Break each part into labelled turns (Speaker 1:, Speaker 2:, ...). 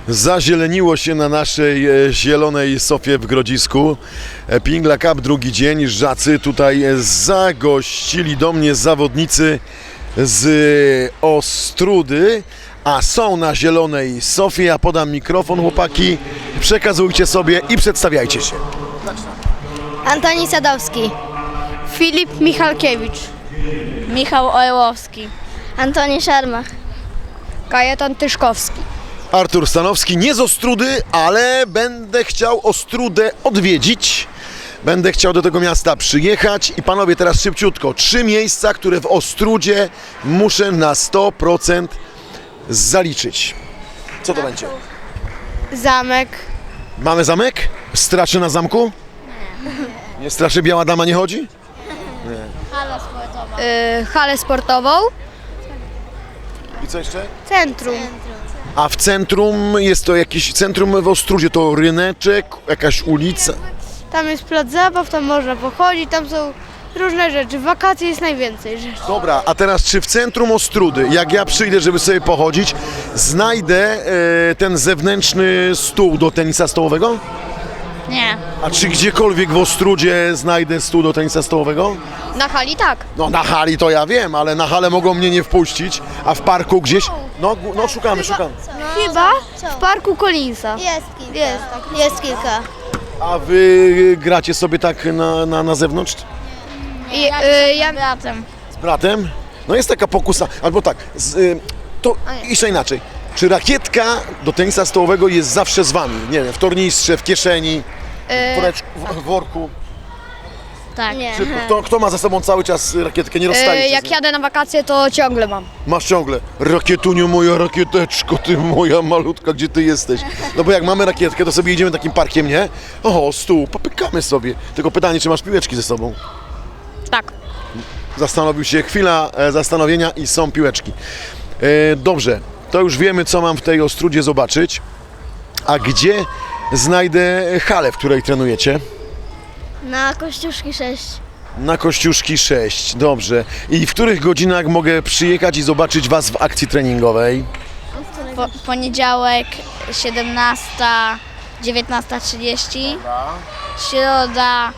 Speaker 1: Zazieleniło się na naszej zielonej sofie w Grodzisku. Pingla Cup, drugi dzień. Żacy tutaj zagościli do mnie zawodnicy z Ostródy, a są na zielonej sofie. Ja podam mikrofon, chłopaki. Przekazujcie sobie i przedstawiajcie się.
Speaker 2: Antoni Sadowski,
Speaker 3: Filip Michalkiewicz,
Speaker 2: Michał Orłowski, Antoni Szarmach,
Speaker 3: Kajetan Tyszkowski.
Speaker 1: Artur Stanowski, nie z Ostródy, ale będę chciał Ostródę odwiedzić. Będę chciał do tego miasta przyjechać i panowie, teraz szybciutko. 3 miejsca, które w Ostródzie muszę na 100% zaliczyć. Co to będzie?
Speaker 3: Zamek.
Speaker 1: Mamy zamek? Straszy na zamku? Nie straszy, biała dama nie chodzi?
Speaker 3: Halę sportową.
Speaker 1: I co jeszcze?
Speaker 3: Centrum.
Speaker 1: A w centrum jest to jakieś centrum w Ostródzie, to ryneczek, jakaś ulica.
Speaker 3: Tam jest plac zabaw, tam można pochodzić, tam są różne rzeczy. W wakacje jest najwięcej rzeczy.
Speaker 1: Dobra, a teraz czy w centrum Ostródy, jak ja przyjdę, żeby sobie pochodzić, znajdę ten zewnętrzny stół do tenisa stołowego?
Speaker 2: Nie.
Speaker 1: A czy gdziekolwiek w Ostródzie znajdę stół do tenisa stołowego?
Speaker 3: Na hali tak.
Speaker 1: No na hali to ja wiem, ale na halę mogą mnie nie wpuścić, a w parku gdzieś? No szukamy.
Speaker 3: Chyba w parku Collinsa.
Speaker 2: Jest kilka. Jest kilka.
Speaker 1: A wy gracie sobie tak na zewnątrz?
Speaker 3: Ja
Speaker 2: bratem.
Speaker 1: Z bratem? No jest taka pokusa, albo tak, to jeszcze inaczej. Czy rakietka do tenisa stołowego jest zawsze z wami? Nie wiem, w tornistrze, w kieszeni, w woreczku, w worku?
Speaker 2: Tak. Nie.
Speaker 1: Czy kto ma ze sobą cały czas rakietkę, nie rozstaje się
Speaker 3: jak
Speaker 1: z nią?
Speaker 3: jadę na wakacje, to ciągle mam.
Speaker 1: Masz ciągle, rakietuniu moja rakieteczko, ty moja malutka, gdzie ty jesteś? No bo jak mamy rakietkę, to sobie idziemy takim parkiem, nie? O, stół, popykamy sobie. Tylko pytanie, czy masz piłeczki ze sobą?
Speaker 3: Tak.
Speaker 1: Zastanowił się, chwila zastanowienia i są piłeczki. Dobrze, to już wiemy, co mam w tej Ostródzie zobaczyć. A gdzie znajdę halę, w której trenujecie?
Speaker 2: Na Kościuszki 6.
Speaker 1: Na Kościuszki 6, dobrze. I w których godzinach mogę przyjechać i zobaczyć was w akcji treningowej?
Speaker 2: Poniedziałek 17, 19:30. Środa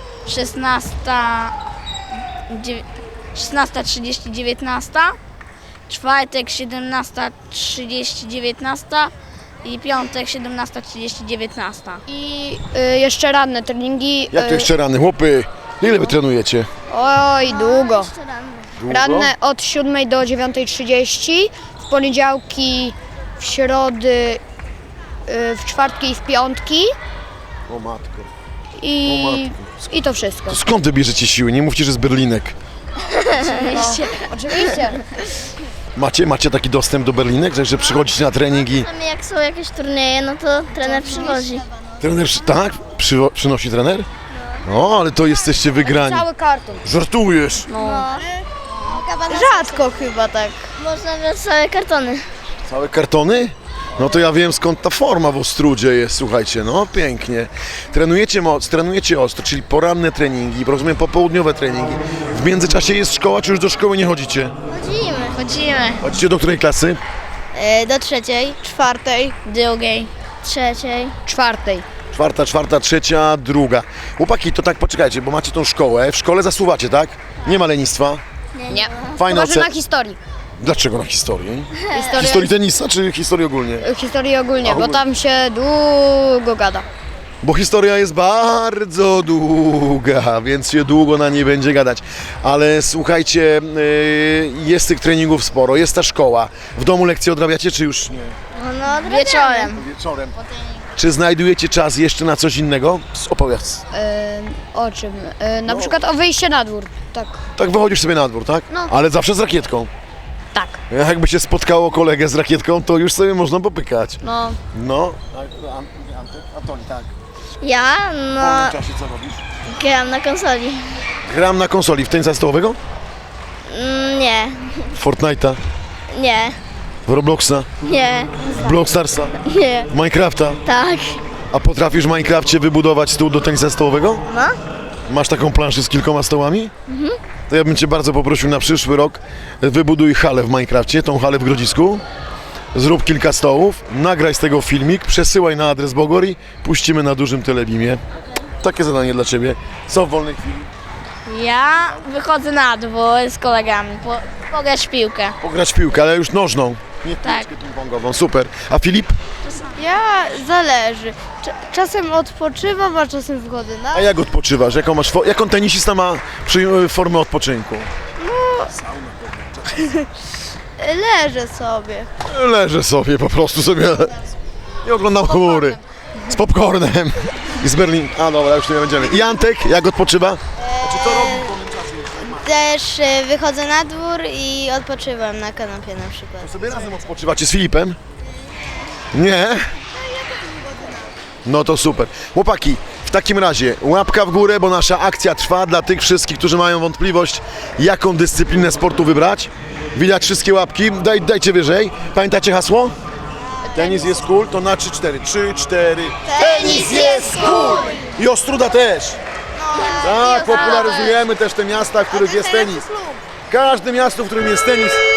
Speaker 2: 16:30, 19. Czwartek 17:30, 19. I piątek 17:30, 19.
Speaker 3: I jeszcze ranne treningi.
Speaker 1: Jak to jeszcze rany? Chłopy, ile wy trenujecie?
Speaker 3: Oj, długo.
Speaker 1: Długo?
Speaker 3: Ranne od 7 do 9:30, w poniedziałki, w środy, w czwartki i w piątki
Speaker 1: O matko.
Speaker 3: i to wszystko.
Speaker 1: To skąd wy bierzecie siły? Nie mówcie, że z Berlinek.
Speaker 3: Oczywiście.
Speaker 1: Macie taki dostęp do Berlinek, że przychodzicie na trening i...
Speaker 2: Jak są jakieś turnieje, no to trener przywozi.
Speaker 1: Trener, tak? Przynosi trener? No, ale to jesteście wygrani.
Speaker 3: Cały karton.
Speaker 1: Żartujesz?
Speaker 3: Rzadko chyba tak.
Speaker 2: Można brać całe kartony.
Speaker 1: Całe kartony? No to ja wiem, skąd ta forma w Ostródzie jest, słuchajcie, no pięknie. Trenujecie ostro, czyli poranne treningi, rozumiem, popołudniowe treningi. W międzyczasie jest szkoła, czy już do szkoły nie chodzicie?
Speaker 2: Chodzimy.
Speaker 1: Chodzicie do której klasy?
Speaker 2: Do 3,
Speaker 3: 4,
Speaker 2: 2, 3.
Speaker 3: 4.
Speaker 1: Czwarta, trzecia, druga. Chłopaki, to tak poczekajcie, bo macie tą szkołę. W szkole zasuwacie, tak? Nie ma lenistwa.
Speaker 3: Nie.
Speaker 1: Fajne
Speaker 3: Chyba, że
Speaker 1: oceny.
Speaker 3: na historii.
Speaker 1: Dlaczego na historii?
Speaker 3: Historia,
Speaker 1: Historii tenisa, czy historii ogólnie?
Speaker 3: historii ogólnie,
Speaker 1: A,
Speaker 3: bo tam się długo gada.
Speaker 1: Bo historia jest bardzo długa, więc się długo na niej będzie gadać. Ale słuchajcie, jest tych treningów sporo, jest ta szkoła. W domu lekcje odrabiacie, czy już nie?
Speaker 2: No, wieczorem.
Speaker 1: Wieczorem. Czy znajdujecie czas jeszcze na coś innego? Opowiedz.
Speaker 3: O czym? Na przykład o wyjście na dwór. Tak.
Speaker 1: Tak wychodzisz sobie na dwór, tak?
Speaker 3: No.
Speaker 1: Ale zawsze z rakietką.
Speaker 3: Tak.
Speaker 1: Jakby się spotkało kolegę z rakietką, to już sobie można popykać.
Speaker 3: No.
Speaker 1: No. Antoni, tak.
Speaker 2: Ja,
Speaker 1: W
Speaker 2: no,
Speaker 1: wolnym czasie co robisz?
Speaker 2: gram na konsoli.
Speaker 1: Gram na konsoli w tenisa stołowego?
Speaker 2: Nie,
Speaker 1: W Fortnite'a?
Speaker 2: nie,
Speaker 1: W Robloxa?
Speaker 2: nie,
Speaker 1: W Blockstarsa?
Speaker 2: nie,
Speaker 1: W Minecrafta?
Speaker 2: tak.
Speaker 1: A potrafisz w Minecrafcie wybudować stół do tenisa stołowego?
Speaker 2: No.
Speaker 1: Masz taką planszę z kilkoma stołami? To ja bym Cię bardzo poprosił na przyszły rok, wybuduj halę w Minecrafcie, tą halę w Grodzisku. Zrób kilka stołów, nagraj z tego filmik, przesyłaj na adres Bogori, puścimy na dużym telebimie. Takie zadanie dla Ciebie. Co w wolnej chwili?
Speaker 2: Ja wychodzę na dwór z kolegami, pograć w piłkę.
Speaker 1: Pograć w piłkę, ale już nożną. Nie
Speaker 2: Tak.
Speaker 1: piłkę ping-pongową. Super. A Filip?
Speaker 3: Ja zależy. Czasem odpoczywam, a czasem wychodzę na...
Speaker 1: A jak odpoczywasz? Jaką tenisista ma formę odpoczynku?
Speaker 3: Leżę sobie.
Speaker 1: Leżę sobie, po prostu sobie. Nie oglądam chmury. Z popcornem. I z Berlin. A dobra, już tu nie będziemy. I Antek, jak odpoczywa? Znaczy, co robi w wolnym czasie?
Speaker 2: Też wychodzę na dwór i odpoczywam na kanapie na przykład.
Speaker 1: Sobie razem odpoczywacie z Filipem? Nie? No to super. Chłopaki, w takim razie łapka w górę, bo nasza akcja trwa dla tych wszystkich, którzy mają wątpliwość, jaką dyscyplinę sportu wybrać. Widać wszystkie łapki, dajcie wyżej. Pamiętacie hasło? Tenis jest cool, to na 3-4. 3-4. Tenis jest cool! I Ostruda też. Tak, popularyzujemy też te miasta, w których jest tenis. Każde miasto, w którym jest tenis,